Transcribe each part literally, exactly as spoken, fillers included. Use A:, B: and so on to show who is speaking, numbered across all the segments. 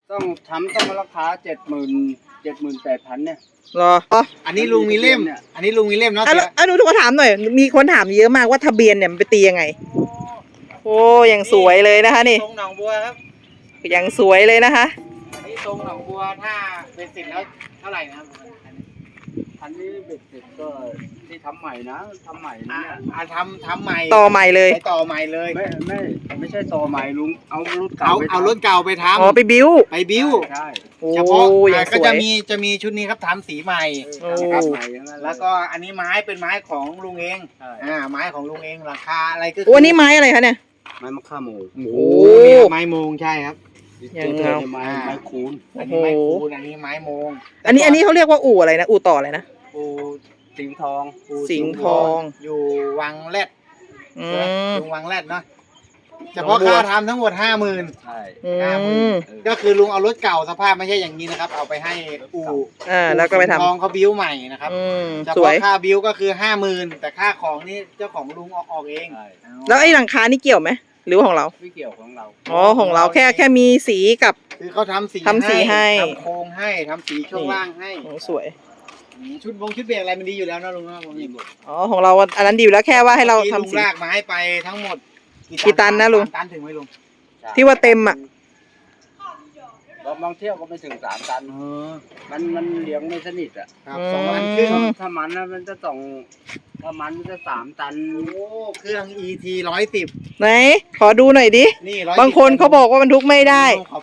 A: ต้องทำต้องราคาเจ็ดหมื่นเจ็ดหมื่นแปดพันเนี่ย
B: รออ๋อ
C: อันนี้ลุงมีเล่มอันนี้ลุงมีเล่มเนาะ
B: อ่ะอ่ะหนูขอถามหน่อยมีคนถามเยอะมากว่าทะเบียนเนี่ยมันไปตียังไงโอ้ยังสวยเลยนะคะนี่
C: ทรงหนองบัวครับ
B: ยังสวยเลยนะคะ
C: อันนี้ทรงหนองบัวถ้าเป็นสิบแล้วเท่าไหร่นะครับ
A: อันนี้เบ็ดเสร็จก็ที่ทำใหม่นะทำใหม่นะเนี่ย
C: อ่าทำทำใหม่
B: ต่อใหม่เลย
C: ไปต่อใหม่เลย
A: ไม่ไม่ไม่ใช่ต่อใหม่ลุงเอารถเก่า
C: เอาเอารถเก่าไปทำ
B: อ๋อไปบิ้ว
C: ไปบิ้ว
A: ใช่
B: เฉพาะ
C: ก็จะมีจะมีชุดนี้ครับทำสีใหม่
A: นะครับใหม่
C: แล้วก็อันนี้ไม้เป็นไม้ของลุงเองอ่าไม้ของลุงเองราคาอะไรก็
B: โอ้อันนี้ไม้อะไรคะเนี่ย
A: ไม้มะข่าโมง
C: โอ้ไม้โมงใช่ครับ
A: ยังเงาไม้ไม้คูน
C: อันนี้ไม้คูนอันนี้ไม้โมง
B: อันนี้อันนี้เขาเรียกว่าอู่อะไรนะอู่ต่ออะไรนะ
A: อู่สิงห์ทอง
B: สิงห์ทอง
C: อยู่วังแรด
B: อืม
C: ลุงวังแรดเนาะเฉพาะค่าทำทั้งหมดห้าหมื่น
A: ใช่
C: ห้าหมื่นก็คือลุงเอารถเก่าสภาพไม่ใช่อย่างนี้นะครับเอาไปให้อู่
B: อ่าแล้วก็ไปทำ
C: ทองเขาบิ้วใหม่นะครับเฉพาะค่าบิ้วก็คือห้าหมื่นแต่ค่าของนี่เจ้าของลุงออกออกเอง
B: แล้วไอ้หลังคานี่เกี่ยวไหมหรือของเรา
A: ไม่เกี่ยวของเรา
B: อ๋อของเราแค่แค่มีสีกับ
C: คือเขาทำสี
B: ทำสีให้
C: ทำโครงให้ทำสีช่วงล่างให้
B: โอ้สวย
C: ชุดบงชุดเบรกอะไรมันดีอยู่แล้วนะลุงนะผมมีหมด
B: อ๋อของเราอันนั้นดีอยู่แล้วแค่ว่าให้เราทำ
C: สีลากไม้ไปทั้งหมด
B: กี่ตันนะลุง
C: ตันถึงไหมลุง
B: ที่ว่าเต็มอ่ะ
A: บางเที่ยวก็ไม่ถึงสามตันมันมันเลี้ยงไม่สนิทอ่ะ
C: ครับสองตันครึ่ง
A: ถ้ามันนะมันจะสองถ้ามันมันจะสามตัน
C: โอ้เครื่อง อี ที ร้อยสิบ
B: ไหนขอดูหน่อยดิบางคนเขาบอกว่าบรรทุกไม่ได้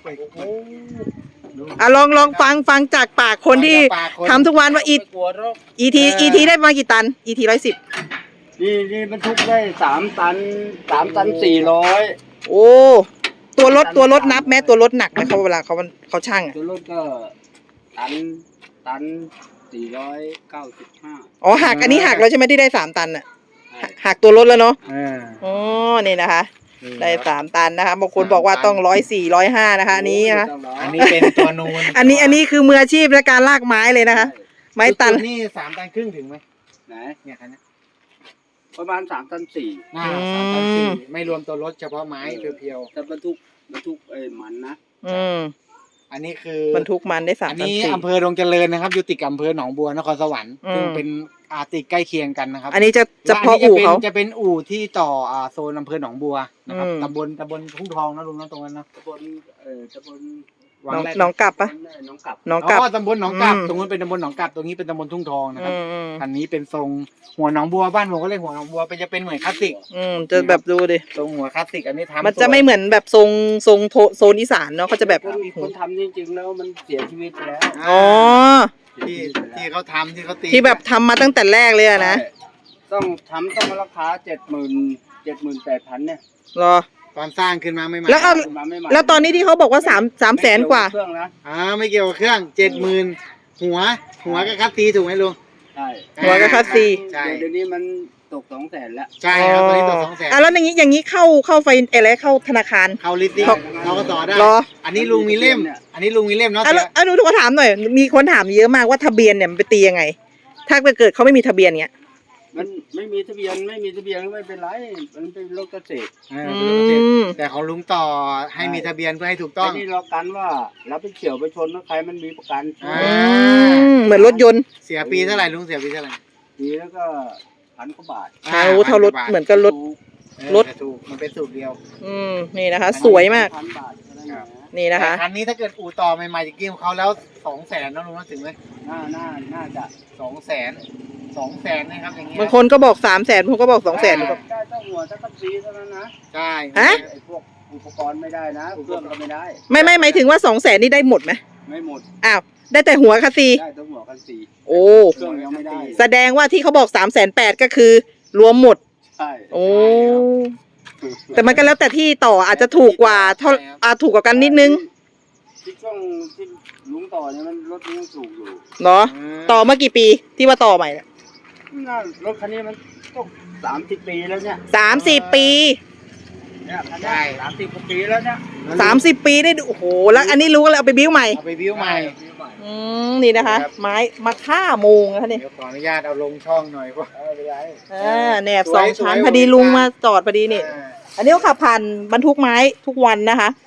B: อ่ะลองลองฟังฟังจากปากคนที่ทำทุกวันว่าอีอีทีอีทีได้มากี่ตันอีทีร้อยสิบ
A: นี่นี่บรรทุกได้สามตันสามตันสี่ร้อย
B: โอ้ตัวรถตัวรถนับแม้ตัวรถหนักไหมเขาเวลาเขาเขาช่างอ่ะ
A: ตัวรถก็ตันตันสี่ร้อยเก้าสิบห้า
B: อ๋อหักอันนี้หักแล้วใช่ไหมที่ได้สามตันอ่ะหักตัวรถแล้วเนาะอ๋อนี่นะคะได้สามตันนะคะบางคนบอกว่าต้องร้อยสี่ร้อยห้านะคะอันนี้นะคะ
C: อันนี้เป็นตัวนูน
B: อันนี้อันนี้คือมืออาชีพในการลากไม้เลยนะคะไม้ตัน
C: นี่สามตันครึ่งถึงไหม
A: ไหน
C: เนี่ยคันนี้
A: ประมาณสามตันสี่
C: น่าสามตันสี่ไม่รวมตัวรถเฉพาะไม้เพียว
A: ๆแต่บรรทุกบรรทุกเอ้มันนะ
B: อืม
C: อันนี้คือบ
B: รรทุกมันได้สามตันสี่
C: อันนี้อำเภอดงเจริญนะครับอยู่ติดกับอำเภอหนองบัวนครสวรรค์ซึ่งเป็นอาติดใกล้เคียงกันนะครับ
B: อันนี้จะจะพออู่เขา
C: จะเป็นอู่ที่ต่ออ่าโซนอำเภอหนองบัวนะครับตำบลตำบลทุ่งทองนะลุงนะตรงนั้นนะ
A: ตำบลเอ่อตำบล
B: น้องกลับปะ
A: น้องกลับ
B: น้องกลับ
C: อ๋อตำบลหนองกลับตรงนั้นเป็นตำบลหนองกลับตรงนี้เป็นตำบลทุ่งทองนะครับอันนี้เป็นทรงหัวหนองบัวบ้านผมก็เรียกหัวหนองบัวเป็นจะเป็นเหมือนคลาสสิก
B: อืมจะแบบดูดิ
C: ทรงหัวคลาสสิกอันนี้ทำ
B: มันจะไม่เหมือนแบบทรงทรงโซนอีสานเนาะเขาจะแบบ
A: คนทำจริงๆแล้วมันเสียชีวิตไปแล้ว
B: อ๋อ
C: ที่ที่เขาทำที่เขาตี
B: ที่แบบทำมาตั้งแต่แรกเลยนะ
A: ต้องทำต้องราคาเจ็ดหมื่นเจ็ดหมื่นแปดพันเนี่ย
B: รอ
C: ตอนสร้างขึ้นมาไม่มา
B: แล้วแล้วตอนนี้ที่เขาบอกว่าสามสามแสนกว่า
A: เครื่องนะ
C: อ่าไม่เกี่ยวกับเครื่องเจ็ดหมื่นหัวหัวกับคัสซีถูกไหมลุง
A: ใช่
B: หัวกับคัสซี
A: ใช่เดี๋ยวนี้มันตกสองแสนแล้ว
C: ใช่ครับตอนนี้ตกสองแสน
B: อ่ะแล้วอย่างนี้อย่างนี้เข้าเข้าไฟอะไรเข้าธนาคาร
C: เข้าลิสต์เราก็ต่อได้อันนี้ลุงมีเล่มอันนี้ลุงมีเล่มเนาะ
B: อ่ะแล้วหนูขอถามหน่อยมีคนถามเยอะมากว่าทะเบียนเนี่ยมันไปตียังไงถ้าเกิดเขาไม่มีทะเบียนเนี้ย
A: มันไม่มีทะเบียนไม่มีทะเบียนไม่เป็นไรมันเป็นรถเกษตร
C: แต่ของลุงต่อให้มีทะเบียนเพื่อให้ถูกต้อง
A: นี่เรากันว่าเราไปเฉี่ยวไปชนใครมันมีประกัน
B: เหมือนรถยนต์
C: เสียปีเท่าไหร่ลุงเสียปีเท่าไหร่
A: ปีแล้วก็พันกว่าบาท
B: อ่ารู้เท่ารถเหมือนกับรถ
C: รถถูกมันเป็นสูตรเดียว
B: อืมนี่นะคะสวยมากนี่นะคะ
C: คันนี้ถ้าเกิดอู่ต่อใหม่ๆจากกี้ของเขาแล้วสองแสนนะลุงถึงไหม
A: น่าน่าน่าจะ
C: สองแสนสองแสนนะครับอย่างเงี้ย
B: บางคนก็บอกสามแสนบางคนก็บอกสองแสน
A: ก็ได้ต้องหัวจะต้องซีเท่านั้นนะ
C: ใช่
B: ฮะ
A: ไอ้พวกอุปกรณ์ไม่ได้นะเครื่องก็ไม่ได้
B: ไม่ไม่หมายถึงว่าสองแสนนี่ได้หมดไหม
A: ไม่หมด
B: อ้าวได้แต่หัวคัสซี
A: ได้แต่หัวคัสซี
B: โอ้
A: เครื่องยังไม่ได้
B: แสดงว่าที่เขาบอกสามแสนแปดก็คือรวมหมด
A: ใช่
B: โอ้แต่มันก็แล้วแต่ที่ต่ออาจจะถูกกว่าเท่าอาถูกกว่ากันนิดนึง
A: ที่ช่วงที่ลุงต่อเนี่ยมันรถนี้ยังสูงอยู่
B: เนาะต่อเมื่อกี่ปีที่ว่าต่อใหม่เนี่ย
A: รถคันนี้มันก็สามสิบปีแล้วเนี่ย
B: สามสิบปี
A: เนี่ยใช่สามสิบปีแล้วเนี่ย
B: สามสิบปีได้โอ้โหแล้วอันนี้รู้ก็เลยเอาไปบิ้วใหม่
C: เอาไปบิ้วใหม่
B: อืมนี่นะคะไม้มาฆ่าโมงนะคะนี่
C: ขออนุญาตเอาลงช่องหน่อยเพราะ
B: อ่าแหนบสองชั้นพอดีลุงมาจอดพอดีนี่อันนี้เขาขับผ่านบรรทุกไม้ทุกวันนะคะ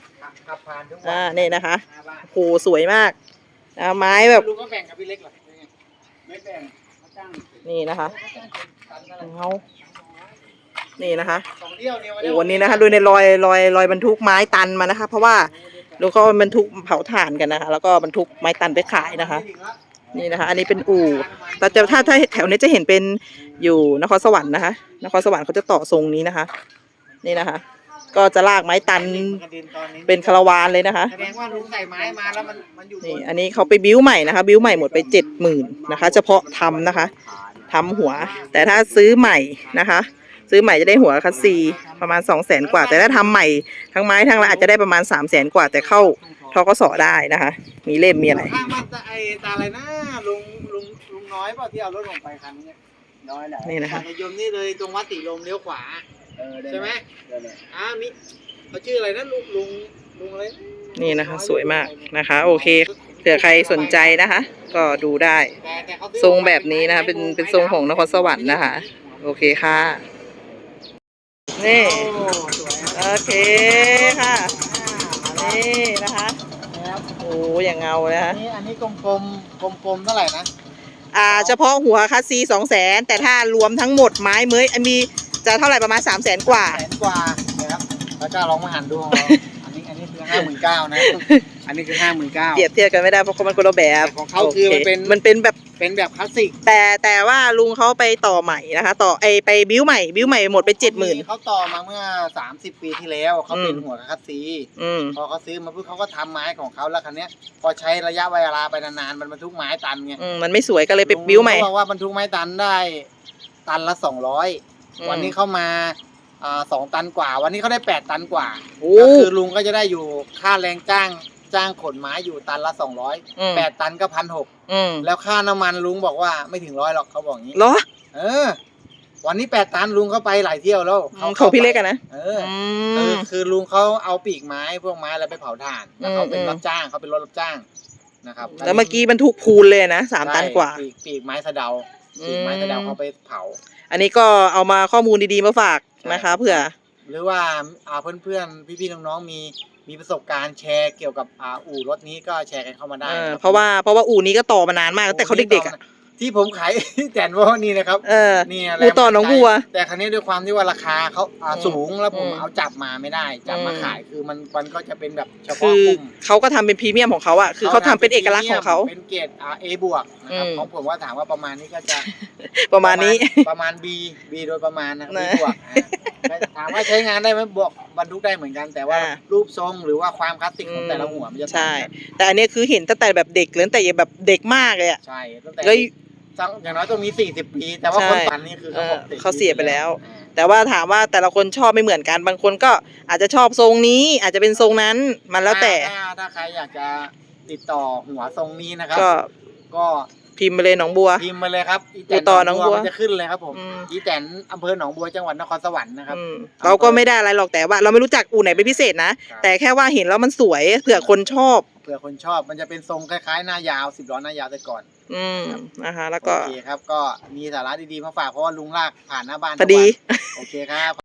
C: ขับผ่านทุกวั
B: อ่านี่นะคะ
C: หน้าบ้าน
B: โหสวยมากนะไม้แบบ
C: ลุงก็แบ่งกับพี่เล็กเหรอ
A: ไม่แบ่งเขาจ้าง
B: นี่นะคะเอานี่นะคะ
C: สองเที่ยวเนี่ย
B: โอ้วันนี้นะคะดูในรอยรอยรอยบรรทุกไม้ตันมานะคะ เพราะว่าลุงเขาบรรทุกเผาถ่านกันนะคะ แล้วก็บรรทุกไม้ตันไปขายนะคะ นี่นะคะ อันนี้เป็นอู่แต่จะถ้าถ้าแถวนี้จะเห็นเป็นอยู่นครสวรรค์นะคะ นครสวรรค์เขาจะต่อทรงนี้นะคะ นี่นะคะ ก็จะลากไม้ตันเป็นคาราวานเลยนะคะ
C: แสดงว่าลุงใส่ไม้มาแล้วมันมันอยู่บ
B: นี่อันนี้เขาไปบิ้วใหม่นะคะ บิ้วใหม่หมดไปเจ็ดหมื่นนะคะ เฉพาะทำนะคะทำหัว แต่ถ้าซื้อใหม่นะคะ ซื้อใหม่จะได้หัวคัสซีประมาณสองแสนกว่า แต่ถ้าทำใหม่ทั้งไม้ทั้งอะไรอาจจะได้ประมาณสามแสนกว่า แต่เข้าทกสได้นะคะ มีเล่มมีอะไร
C: ข้างบ้านตาไอตาอะไรนะลุงลุงลุงน้อยเปล่าที่เอารถลงไปคันนี้
A: น้อยแหละ
B: นี่นะคะ
C: จักรยานนี่เลยตรงวัดติลมเลี้ยวขวา
A: เออด้
C: ใช่ไหม
A: ได้เลย
C: อ่ามิเขาชื่ออะไรนะลุงลุงลุงอะไรนะ
B: นี่นะคะ สวยมากนะคะ โอเคเผื่อใครสนใจนะคะ ก็ดูได้
C: แต่แต่เขาซื้อ
B: ทรงแบบนี้นะคะเป็นเป็นทรงของนครสวรรค์นะคะ โอเคค่ะ นี่
C: โอ้สวย
B: โอเคค่ะ นี่นะคะ
C: นะครับ
B: โอ้อย่างเงาเลย
C: อั
B: คะ
C: นนี้อันนี้กลมกลมกลมกลมๆเท่าไหร่นะ
B: อ่าเฉพาะหัวคัสซีสองแสนแต่ถ้ารวมทั้งหมดไม้เมยมีจะเท่าไหร่ประมาณสามแสนกว่า
C: แสนกว่านะครับแล้วก็ลองมาหันดูของเราอันนี้อันนี้คือห้าหมื่นเก้านะ อันนี้คือห้าหมื่นเก้า
B: เปรียบเทียบกันไม่ได้เพราะมันคนละแบบ
C: ของเขาคือมันเป็น
B: มันเป็นแบบ
C: เป็นแบบคลาสสิก
B: แต่แต่ว่าลุงเขาไปต่อใหม่นะคะ ต่อไอไปบิ้วใหม่บิ้วใหม่หมดไปเจ็ดหมื่น
C: เขาต่อมาเมื่อสามสิบปีที่แล้วเขาเป็น
B: อืม
C: หัวคลาสซี
B: อืม
C: พอเขาซื้อมาปุ๊บเขาก็ทำไม้ของเขาแล้วคันเนี้ยพอใช้ระยะเวลาไปนานๆมันบรรทุกไม้ตันไง
B: อืมมันไม่สวยก็เลยไปบิ้วใหม่
C: ลุงเขาบอกว่าบรรทุกไม้ตันได้ตันละสองร้อย
B: อืม
C: วันนี้เข้ามาอ่าสองตันกว่า วันนี้เขาได้แปดตันกว่า
B: โอ้
C: ก็คือลุงก็จะได้อยู่ค่าแรงจ้างจ้างขนไม้อยู่ตันละสองร้อย
B: อืม
C: แปดตันก็พันหก
B: อืม
C: แล้วค่าน้ำมันลุงบอกว่าไม่ถึงร้อยหรอกเขาบอกอย่างนี้
B: เหรอ
C: เออ วันนี้แปดตันลุงเขาไปหลายเที่ยวแล้ว
B: อืมของพี่เล็กอะนะ
C: เออ
B: อื
C: อคือ
B: ม
C: คือลุงเขาเอาปีกไม้พวกไม้อะไรไปเผาถ่านแล้วเขาเป็น
B: อืม
C: รับจ้างเขาเป็นรถรับจ้างนะครับ
B: แล้วเมื่อกี้บรรทุกพูนเลยนะสามตันกว่า
C: ใช่ปีกปีกไม้สะเดาปีกไม้สะเดาเขาไปเผา
B: อันนี้ก็เอามาข้อมูลดีๆมาฝากนะคะเผื่อ
C: หรือว่าอ่าเพื่อนๆพี่ๆน้องๆมีมีประสบการณ์แชร์เกี่ยวกับอ่าอู่รถนี้ก็แชร์กันเข้ามาได้
B: เออ
C: คบ
B: เพราะว่าเพราะว่าอู่นี้ก็ต่อมานานมากตั้งแต่เขาเด็กๆอ่ะ
C: ที่ผมขาย แจนว่านี่นะครับ
B: เออ
C: นี่
B: อู่ต่อหนองบัว
C: แต่ครั้นี้ด้วยความที่ว่าราคาเขาอ่า
B: อืม
C: สูงแล้วผม
B: อืม
C: เอาจับมาไม่ได้ จับมา
B: อืม
C: ขายคือมันมันก็จะเป็นแบบเฉ
B: คื
C: พาะ
B: อก
C: ลุ่ม
B: เขาก็ทำเป็นพรีเมียมของเขาอ่ะคือเขาทำเป็นเอกลักษณ์ของเขา
C: เป็นเกรดอ่า A บวกนะครับ
B: อืม
C: ของผมว่าถามว่าประมาณนี้ก็จะ
B: ประมาณนี้
C: ประมาณ B B โดยประมาณนะครับ B
B: นะ
C: บวกอ่าถามว่าใช้งานได้ไหมบวกบรรทุกได้เหมือนกัน แต่ว่า
B: อ่า
C: รูปทรงหรือว่าความคลาสสิกของแต่ละหัวมันจะต่าง
B: ใช่
C: กัน
B: แต่อันนี้คือเห็นตั้งแต่แบบเด็กเลยตั้งแต่แบบเด็กมากเลยอ่ะ
C: ใช่ตั้งแต่
B: แล้ว
C: อย่างน้อยต้องมีสี่สิบปี แต่ว่า
B: ใช่
C: คนปั่นนี่คือเขาบอก
B: เออเขาเสียไปแล้ว
C: อ่า
B: แต่ว่าถามว่าแต่ละคนชอบไม่เหมือนกัน บางคนก็อาจจะชอบทรงนี้ อาจจะเป็นทรงนั้นมันแล้วแต่
C: ถ้าถ้าใครอยากจะติดต่อหัวทรงนี้นะครับ
B: ก็
C: ก็
B: พิมพ์ไปเลยหนองบัว
C: พิมพ์มาเลยครับอี
B: ติดต่อหนองบัว
C: มันจะขึ้นเลยครับผม
B: อืม
C: อีแตนอำเภอหนองบัวจังหวัดนครสวรรค์นะครับ
B: อืมเราก็ไม่ได้อะไรหรอกแต่ว่า เราไม่รู้จักอู่ไหนเป็นพิเศษนะ
C: ครับ
B: แต่แค่ว่าเห็นแล้วมันสวยเผื่อคนชอบ
C: เผื่อคนชอบมันจะเป็นทรงคล้ายๆหน้ายาวสิบล้อหน้ายาวแต่ก่อน
B: อืมนะคะ แล้วก็
C: โอเคครับก็มีสาระดีๆมาฝากเพราะว่าลุงลากผ่านหน้าบ้าน
B: พอดี
C: ทุกวันโอเคครับ